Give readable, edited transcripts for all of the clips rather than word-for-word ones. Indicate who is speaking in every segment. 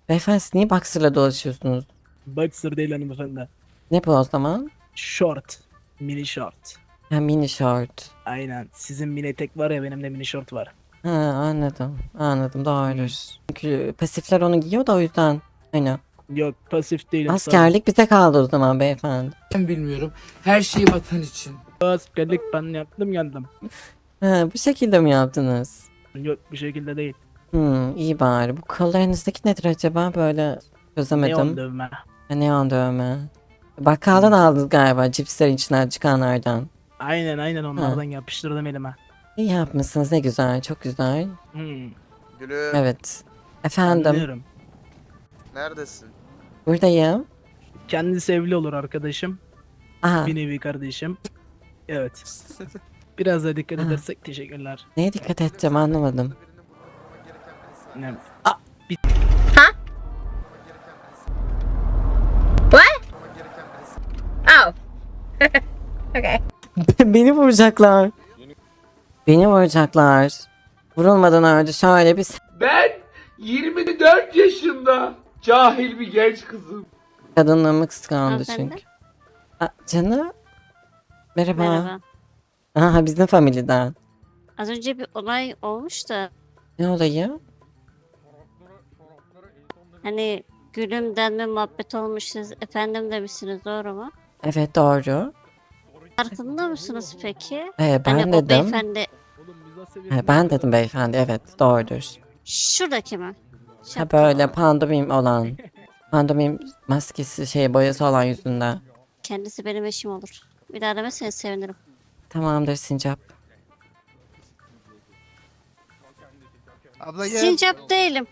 Speaker 1: Beyefendi siz niye boxer'la dolaşıyorsunuz?
Speaker 2: Boxer değil hanımefendi.
Speaker 1: Ne bu o zaman?
Speaker 2: Short. Mini short.
Speaker 1: Ha, mini short.
Speaker 2: Aynen. Sizin mini etek var ya, benim de mini short var.
Speaker 1: Ha, anladım. Anladım, doğru. Çünkü pasifler onu giyiyor da o yüzden. Aynen.
Speaker 2: Yok, pasif değilim.
Speaker 1: Askerlik bize kaldı o zaman beyefendi.
Speaker 3: Ben bilmiyorum. Her şey vatan için.
Speaker 2: Askerlik ben yaptım geldim.
Speaker 1: Ha, bu şekilde mi yaptınız?
Speaker 2: Yok, bir şekilde değil.
Speaker 1: İyi bari. Bu kollarınızdaki nedir acaba? Böyle çözemedim.
Speaker 2: Neon dövme.
Speaker 1: Ha, neon dövme. Bakkaldan aldınız galiba cipslerin içinden çıkanlardan.
Speaker 2: Aynen onlardan yapıştırdım elime.
Speaker 1: İyi yapmışsınız, ne güzel, çok güzel.
Speaker 4: Gülüm,
Speaker 1: Evet. Efendim,
Speaker 2: Anlıyorum.
Speaker 4: neredesin?
Speaker 1: buradayım.
Speaker 2: Kendisi evli olur arkadaşım.
Speaker 1: Aha,
Speaker 2: Bir nevi kardeşim. Evet. Biraz da dikkat
Speaker 1: Ha.
Speaker 2: edersek teşekkürler.
Speaker 1: neye dikkat edeceğim anlamadım.
Speaker 2: Yani
Speaker 5: Oh. Okay.
Speaker 1: Beni vuracaklar. Beni vuracaklar. Vurulmadan önce şöyle bir
Speaker 3: Ben 24 yaşında cahil bir genç kızım.
Speaker 1: kadınlığımı kıskandı
Speaker 5: Hanımefendi?
Speaker 1: çünkü. Canım. Merhaba.
Speaker 5: Merhaba.
Speaker 1: Aha, bizim familyeden.
Speaker 5: Az önce bir olay olmuş da
Speaker 1: Ne olayı?
Speaker 5: hani gülüm denme muhabbet olmuş, siz efendim demişsiniz, doğru mu?
Speaker 1: Evet, doğru.
Speaker 5: Farkında mısınız peki?
Speaker 1: Ben
Speaker 5: Hani o
Speaker 1: dedim.
Speaker 5: beyefendi
Speaker 2: oğlum biz seviyesinde.
Speaker 1: Ben dedim beyefendi, evet doğrudur.
Speaker 5: şuradaki mi?
Speaker 1: Ha,
Speaker 5: Şapkalı
Speaker 1: böyle
Speaker 5: olan.
Speaker 1: pandomim olan. Pandomim maskesi boyası olan yüzünde.
Speaker 5: Kendisi benim eşim olur. Bir daha demezseniz sevinirim.
Speaker 1: Tamamdır Sincap.
Speaker 4: Abla gel.
Speaker 5: Sincap değilim.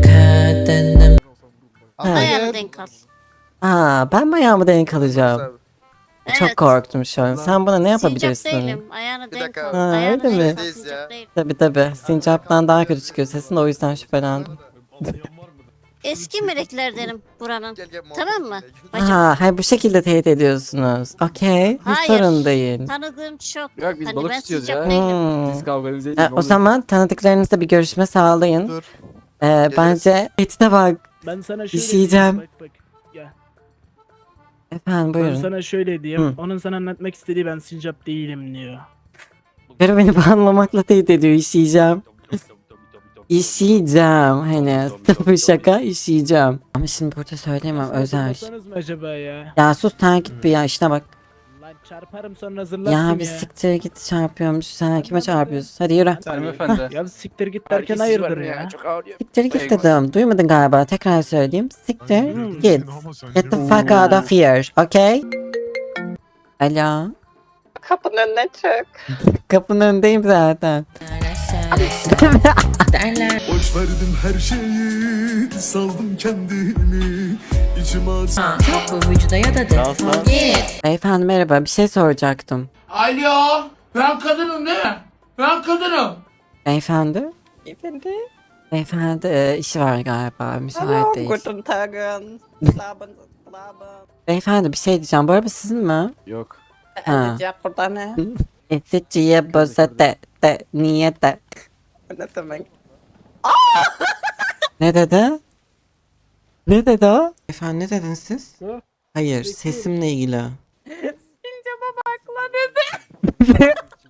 Speaker 4: Abla
Speaker 5: Ayağını
Speaker 4: gel.
Speaker 5: denk al.
Speaker 1: Ben bayağı mı denk alacağım?
Speaker 5: Evet.
Speaker 1: Çok korktum şu an. Sen bana ne yapabilirsin?
Speaker 5: Sincap değilim. Ayağını
Speaker 4: Bir
Speaker 5: denk
Speaker 4: dakika.
Speaker 5: al.
Speaker 1: Ha,
Speaker 5: Ayağını
Speaker 1: öyle mi?
Speaker 5: denk al.
Speaker 4: Biz
Speaker 5: Sincap
Speaker 4: ya.
Speaker 5: değilim.
Speaker 1: Tabi. Sincap'tan daha kötü çıkıyor sesin de o yüzden şüphelendim.
Speaker 5: Eski meleklerdenim buranın.
Speaker 4: Gel muhabbet
Speaker 5: Tamam mı?
Speaker 4: edelim.
Speaker 5: Bacım.
Speaker 1: Hayır, bu şekilde teyit ediyorsunuz. Okey. Hiç
Speaker 5: Hayır.
Speaker 1: sorun değil.
Speaker 5: Tanıdığım çok.
Speaker 6: Yok, biz
Speaker 5: Hani
Speaker 6: balık
Speaker 5: ben
Speaker 6: tutuyoruz
Speaker 5: sincap
Speaker 6: ya.
Speaker 5: değilim.
Speaker 1: Hmm.
Speaker 6: Biz kavgamızı
Speaker 1: O
Speaker 6: edeceğiz.
Speaker 1: zaman tanıdıklarınızla bir görüşme sağlayın.
Speaker 4: Dur.
Speaker 1: Bence tehdide bak.
Speaker 2: Ben sana şöyle
Speaker 1: İşeyeceğim.
Speaker 2: diyeyim, bak. Gel.
Speaker 1: Efendim
Speaker 2: Ben
Speaker 1: buyurun.
Speaker 2: sana şöyle diyeyim.
Speaker 1: Hı.
Speaker 2: Onun sana anlatmak istediği ben sincap değilim diyor.
Speaker 1: Biri beni banlamakla tehdit ediyor, işeyeceğim. İşeyeceğim, hani sıfır şaka, işeyeceğim. Ama şimdi burada söyleyemem, özel.
Speaker 2: Kapatsanız mı acaba ya?
Speaker 1: Ya sus, sen git bir ya, işine bak.
Speaker 2: Lan çarparım sonra zırlarsın
Speaker 1: Ya
Speaker 2: ya.
Speaker 1: bir siktir git, çarpıyormuş, sen kime çarpıyorsun? Hadi yürü.
Speaker 6: Hanımefendi.
Speaker 2: Ya siktir git derken hayırdır ya.
Speaker 6: Çok ağrıyor.
Speaker 1: Siktir git dedim, duymadın galiba, tekrar söyleyeyim. Siktir git. Get the fuck out of here, okay? Alo.
Speaker 7: Kapının önüne çık.
Speaker 1: Kapının önündeyim zaten.
Speaker 8: Boş verdim her şeyi, saldım kendimi. İçime
Speaker 9: Bu vücuda ya da defol git.
Speaker 1: Beyefendi merhaba, bir şey soracaktım.
Speaker 3: Alo. Ben kadınım değil mi? Ben kadınım.
Speaker 1: Beyefendi?
Speaker 7: Efendi?
Speaker 1: Beyefendi işi var galiba, müsait
Speaker 7: Hallo,
Speaker 1: değil.
Speaker 7: guten Tagen. Slaben, slaben.
Speaker 1: Beyefendi bir şey diyeceğim, bu araba sizin mi?
Speaker 6: Yok.
Speaker 1: Ha.
Speaker 7: Cevap burada ne?
Speaker 1: Eticiye boza de niye de.
Speaker 7: Ne demek?
Speaker 1: Ne dedi? Ne dedi o? Efendim ne dediniz siz?
Speaker 2: Hı?
Speaker 1: Hayır, sesimle ilgili.
Speaker 7: Sincap'a bak lan dedi.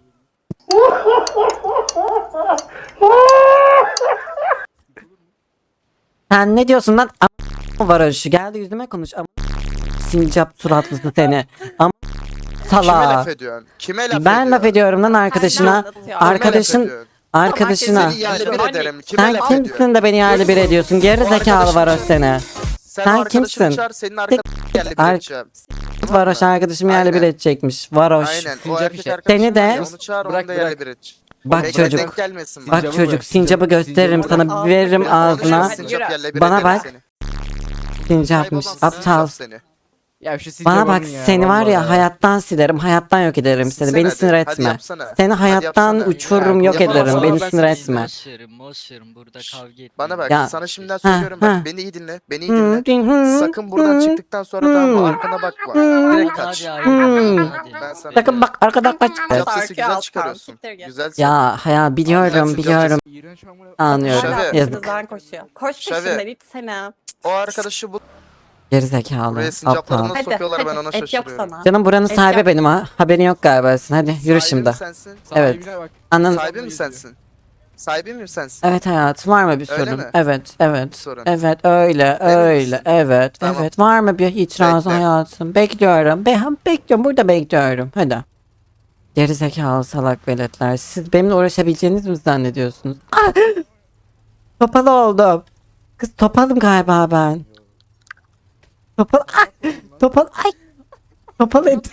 Speaker 1: Sen ne diyorsun lan? Varoşu geldi yüzüme konuş. Sincap suratlısı seni.
Speaker 4: Kime laf
Speaker 1: Sala.
Speaker 4: ediyorsun? Kime laf ediyorsun?
Speaker 1: Ben laf ediyorum lan arkadaşına.
Speaker 7: Anlatıyor.
Speaker 4: Kime laf
Speaker 1: Arkadaşın
Speaker 4: ediyorsun?
Speaker 1: arkadaşına.
Speaker 4: Seni yerli bir ederim. Kime
Speaker 1: Sen
Speaker 4: laf ediyorsun?
Speaker 1: kimsin de beni yerli bir ediyorsun? Geri
Speaker 4: Bu
Speaker 1: zekalı
Speaker 4: arkadaşın
Speaker 1: varoş
Speaker 4: kim?
Speaker 1: seni.
Speaker 4: Sen
Speaker 1: Sen
Speaker 4: o arkadaşını
Speaker 1: kimsin?
Speaker 4: çağır, senin arkadaşını yerli bir
Speaker 1: Ar-
Speaker 4: edeceğim.
Speaker 1: Varoş arkadaşım yerli bir
Speaker 4: Aynen.
Speaker 1: edecekmiş. Varoş.
Speaker 4: Aynen. O
Speaker 6: Sincap
Speaker 4: erkek
Speaker 6: işi.
Speaker 4: arkadaşın
Speaker 1: Seni de-
Speaker 4: var ya, onu çağır,
Speaker 6: Bırak,
Speaker 4: onu da yerli
Speaker 6: bırak.
Speaker 4: bir edeceğim.
Speaker 1: Bak
Speaker 4: Bekle,
Speaker 1: çocuk.
Speaker 4: denk gelmesin.
Speaker 1: Bak
Speaker 6: Sincap'ı
Speaker 1: çocuk,
Speaker 6: bırak,
Speaker 1: sincapı gösteririm
Speaker 7: Sincap'ı
Speaker 1: sana,
Speaker 7: bırak.
Speaker 1: veririm
Speaker 7: Ben
Speaker 1: ağzına.
Speaker 7: konuşurum.
Speaker 4: Sincap yerle bir
Speaker 1: Bana
Speaker 4: ederim
Speaker 1: bak.
Speaker 4: seni.
Speaker 1: Sincapmış,
Speaker 4: Kaybolan
Speaker 1: aptal.
Speaker 4: sincap seni.
Speaker 6: Ya şu sincap
Speaker 1: Bana bak,
Speaker 6: alın ya,
Speaker 1: seni var ya
Speaker 6: vallahi.
Speaker 1: hayattan silerim, hayattan yok ederim seni.
Speaker 4: Sen
Speaker 1: Beni
Speaker 4: hadi,
Speaker 1: sinir
Speaker 4: hadi
Speaker 1: etme.
Speaker 4: yapsana.
Speaker 1: Seni
Speaker 4: Hadi
Speaker 1: hayattan
Speaker 4: yapsana.
Speaker 1: uçururum,
Speaker 6: Ya,
Speaker 1: yok
Speaker 4: yapamazsın
Speaker 1: ederim.
Speaker 4: ama
Speaker 1: Beni
Speaker 4: ben
Speaker 1: sinir
Speaker 4: seni
Speaker 1: etme.
Speaker 10: Boş verin burada kavga etmeyin.
Speaker 4: Bana bak,
Speaker 1: Ya.
Speaker 4: sana şimdiden
Speaker 1: Ha,
Speaker 4: söylüyorum,
Speaker 1: ha.
Speaker 4: bak beni iyi dinle, beni iyi dinle. Sakın buradan çıktıktan sonra tamam mı, arkana bakma. Direkt kaç.
Speaker 10: Hadi ayrılın, hadi.
Speaker 4: Ben sana
Speaker 1: Sakın bak, arkadan kaç.
Speaker 4: Sincap sesi
Speaker 7: Sarkı
Speaker 4: güzel
Speaker 7: alttan,
Speaker 4: çıkarıyorsun.
Speaker 7: siktir git.
Speaker 4: Güzel.
Speaker 1: Ya biliyorum,
Speaker 4: Sincap
Speaker 1: biliyorum.
Speaker 6: İğrenç amına.
Speaker 1: Anlıyorum.
Speaker 4: Şavi.
Speaker 7: Hala
Speaker 1: Yazık.
Speaker 7: peşinden koşuyor. Koş
Speaker 4: Şavi.
Speaker 7: peşinden, itsene.
Speaker 4: O arkadaşı bu
Speaker 1: Gerizekalı.
Speaker 4: buraya
Speaker 1: Aptal.
Speaker 4: sincaplarını
Speaker 7: Hadi,
Speaker 4: sokuyorlar ben ona
Speaker 7: et yok
Speaker 4: şaşırıyorum.
Speaker 7: sana.
Speaker 1: Canım buranın
Speaker 7: Et
Speaker 1: sahibi
Speaker 7: yap.
Speaker 1: benim ha. Haberin yok galiba senin. Hadi yürü
Speaker 4: Sahibi
Speaker 1: şimdi.
Speaker 4: mi sensin?
Speaker 1: Evet. Anladın.
Speaker 4: Sahibi mi sensin? Sahibi mi sensin?
Speaker 1: Evet hayatım, var mı bir
Speaker 4: Öyle
Speaker 1: sorun?
Speaker 4: mi?
Speaker 1: Evet, evet.
Speaker 4: Bir sorun.
Speaker 1: Evet, öyle,
Speaker 4: Emin
Speaker 1: öyle,
Speaker 4: misin?
Speaker 1: evet,
Speaker 4: Tamam.
Speaker 1: evet. Var mı bir itiraz
Speaker 4: Bekle.
Speaker 1: hayatım? Bekliyorum. Bekliyorum, burada bekliyorum. Hadi. Gerizekalı salak veletler. Siz benimle uğraşabileceğinizi mi zannediyorsunuz? Ah! Topalı oldum. Kız topalım galiba ben. Topal, ay! Topal, ay! Topal et.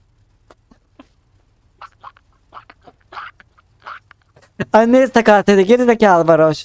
Speaker 1: Anneye sakat dedi. Gerizekalı varoş.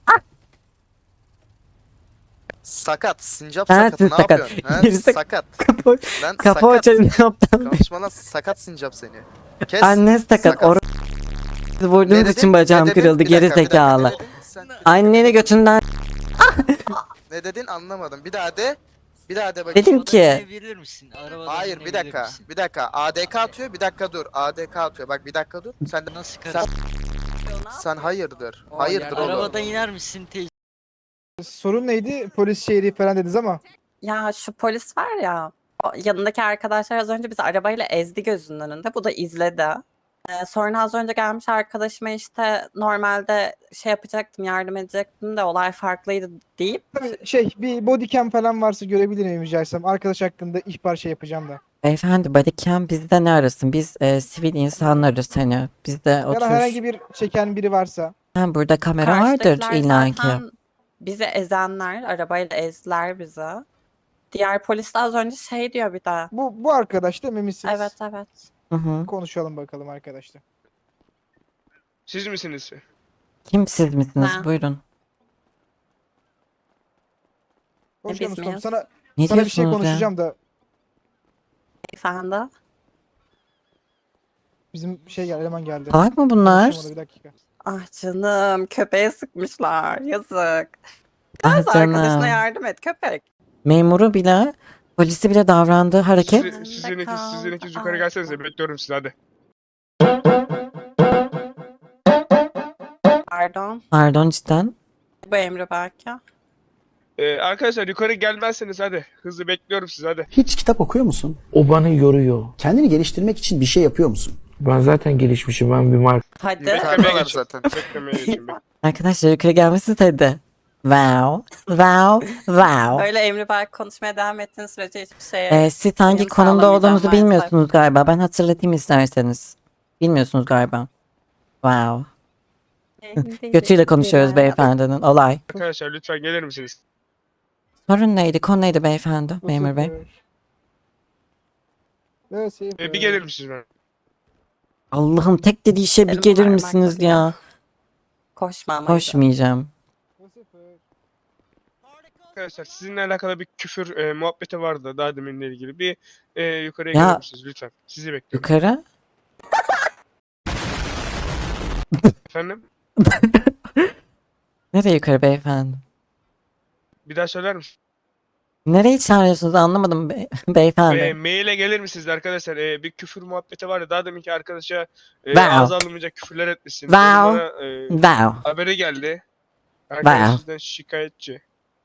Speaker 4: Sakat, sincap
Speaker 1: Ha,
Speaker 4: sakatı ne
Speaker 1: sakat.
Speaker 4: yapıyorsun? Ha?
Speaker 1: Gerisi-
Speaker 4: Sakat.
Speaker 1: Kapı,
Speaker 4: Lan
Speaker 1: kapı
Speaker 4: sakat.
Speaker 1: açarım ne yaptın?
Speaker 4: Konuşmana sakat sincap seni. Kes.
Speaker 1: Anne sakat.
Speaker 4: Sakat.
Speaker 1: Vurduğunuz
Speaker 4: Ne
Speaker 1: için
Speaker 4: dedin?
Speaker 1: bacağım
Speaker 4: Ne dedin?
Speaker 1: kırıldı.
Speaker 4: Bir dakika,
Speaker 1: Geri
Speaker 4: bir dakika.
Speaker 1: zekalı.
Speaker 4: Ne dedin? Sen-
Speaker 1: Anneni götünden
Speaker 4: Ne dedin anlamadım. Bir daha de. Bir daha de bakayım.
Speaker 1: dedim
Speaker 10: Arabada
Speaker 1: ki.
Speaker 10: inebilir misin? Arabadan
Speaker 4: Hayır bir
Speaker 10: inebilir
Speaker 4: dakika.
Speaker 10: misin?
Speaker 4: Bir dakika. ADK atıyor. Bir dakika dur. ADK atıyor. Bak bir dakika dur. Sen de
Speaker 10: Nasıl
Speaker 4: sen,
Speaker 10: karıştı?
Speaker 4: sen hayırdır. Hayırdır oğlum.
Speaker 10: Arabadan iner misin?
Speaker 2: Sorun neydi? Polis şehri falan dediniz ama.
Speaker 7: Ya şu polis var ya. O yanındaki arkadaşlar az önce bizi arabayla ezdi gözünün önünde. Bu da izledi. Sonra az önce gelmiş arkadaşıma işte normalde şey yapacaktım, yardım edecektim de olay farklıydı deyip
Speaker 2: Bir bodycam falan varsa görebilir miyim rica etsem? Arkadaş hakkında ihbar şey yapacağım da.
Speaker 1: Beyefendi bodycam bizde ne arasın? Biz sivil insanlarız hani. Bizde
Speaker 2: Ya da
Speaker 1: otur.
Speaker 2: herhangi bir çeken biri varsa.
Speaker 1: Ha, burada kamera vardır
Speaker 7: karşıdakiler
Speaker 1: illaki.
Speaker 7: zaten bizi ezenler, arabayla ezdiler bizi. Diğer polis de az önce şey diyor bir de.
Speaker 2: Bu arkadaş da misiniz?
Speaker 7: Evet evet.
Speaker 1: Hı hı.
Speaker 2: Konuşalım bakalım arkadaşlar.
Speaker 3: Siz misiniz?
Speaker 1: Kim siz misiniz?
Speaker 7: Ha.
Speaker 1: Buyurun.
Speaker 2: Hoş
Speaker 7: biz
Speaker 2: geldin
Speaker 7: miyiz?
Speaker 2: ustam. Sana
Speaker 1: Ne
Speaker 2: bir şey
Speaker 1: diyorsunuz ya?
Speaker 2: konuşacağım da
Speaker 7: Beyefendi.
Speaker 2: bizim eleman geldi.
Speaker 1: Salak mı bunlar?
Speaker 2: Konuşamadı, bir dakika.
Speaker 7: Ah canım köpeğe sıkmışlar. Yazık.
Speaker 1: Ah
Speaker 7: Kız arkadaşına
Speaker 1: canım.
Speaker 7: yardım et köpek.
Speaker 1: Memuru bile, polisi bile davrandığı hareket.
Speaker 3: Sizin ikiniz yukarı gelsenize, bekliyorum sizi hadi.
Speaker 7: Pardon.
Speaker 1: Pardon cidden.
Speaker 7: Bu Emre belki.
Speaker 3: Arkadaşlar yukarı gelmezseniz hadi. Hızlı bekliyorum sizi hadi.
Speaker 6: Hiç kitap okuyor musun?
Speaker 11: O bana yoruyor.
Speaker 6: Kendini geliştirmek için bir şey yapıyor musun?
Speaker 11: Ben zaten gelişmişim. Ben bir marka.
Speaker 7: Hadi.
Speaker 4: Yukarıdalar zaten.
Speaker 3: Beklemeye geçin.
Speaker 1: Arkadaşlar yukarı gelmişsiniz hadi. Wow. Wow. Wow.
Speaker 7: Öyle Emre belki konuşmaya devam ettiğin sürece hiçbir şeye
Speaker 1: Siz hangi
Speaker 7: uyum
Speaker 1: konumda
Speaker 7: sağlamayacağım
Speaker 1: olduğunuzu
Speaker 7: maalesef.
Speaker 1: bilmiyorsunuz galiba. Ben hatırlatayım isterseniz. Bilmiyorsunuz galiba. Wow. Götüyle konuşuyoruz beyefendinin. Olay.
Speaker 3: Arkadaşlar lütfen gelir misiniz?
Speaker 1: Sorun neydi? Konu neydi beyefendi? Memur bey.
Speaker 2: Evet,
Speaker 3: Bir gelir misiniz ben?
Speaker 1: Allah'ım tek dediği şey bir
Speaker 7: Elim
Speaker 1: gelir
Speaker 7: parmakla
Speaker 1: misiniz
Speaker 7: bile.
Speaker 1: ya?
Speaker 7: Koşma ama.
Speaker 1: Koşmayacağım.
Speaker 3: Arkadaşlar sizinle alakalı bir küfür muhabbeti vardı daha deminle ilgili. Bir yukarıya
Speaker 1: Ya.
Speaker 3: gelir misiniz lütfen? Sizi bekliyorum.
Speaker 1: Yukarı.
Speaker 3: Efendim?
Speaker 1: Nereye yukarı beyefendi?
Speaker 3: Bir daha söyler misin?
Speaker 1: Nereyi çağırıyorsunuz anlamadım beyefendi.
Speaker 3: Maile gelir misiniz arkadaşlar? Bir küfür muhabbeti vardı. Daha deminki arkadaşa
Speaker 1: Wow.
Speaker 3: ağza alınmayacak küfürler etmişsin.
Speaker 1: Wow.
Speaker 3: Bana
Speaker 1: Wow.
Speaker 3: haberi geldi. Arkadaş
Speaker 1: Wow.
Speaker 3: sizden şikayetçi.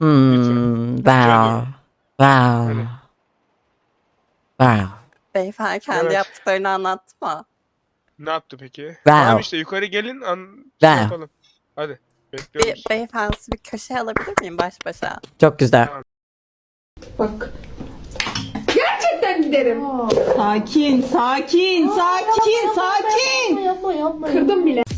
Speaker 1: Wow. Wow.
Speaker 3: Öyle.
Speaker 1: Wow.
Speaker 7: Beyefendi kendi
Speaker 3: Evet.
Speaker 7: yaptıklarını anlattı mı?
Speaker 3: Ne yaptı peki?
Speaker 1: Wow.
Speaker 3: Tamam işte yukarı gelin
Speaker 1: Wow.
Speaker 3: yapalım. Hadi. Bekliyoruz.
Speaker 7: Beyefendi bir köşeye alabilir miyim baş başa?
Speaker 1: Çok güzel.
Speaker 9: Sakin, sakin, sakin, sakin.
Speaker 12: Yapma. Kırdım bile.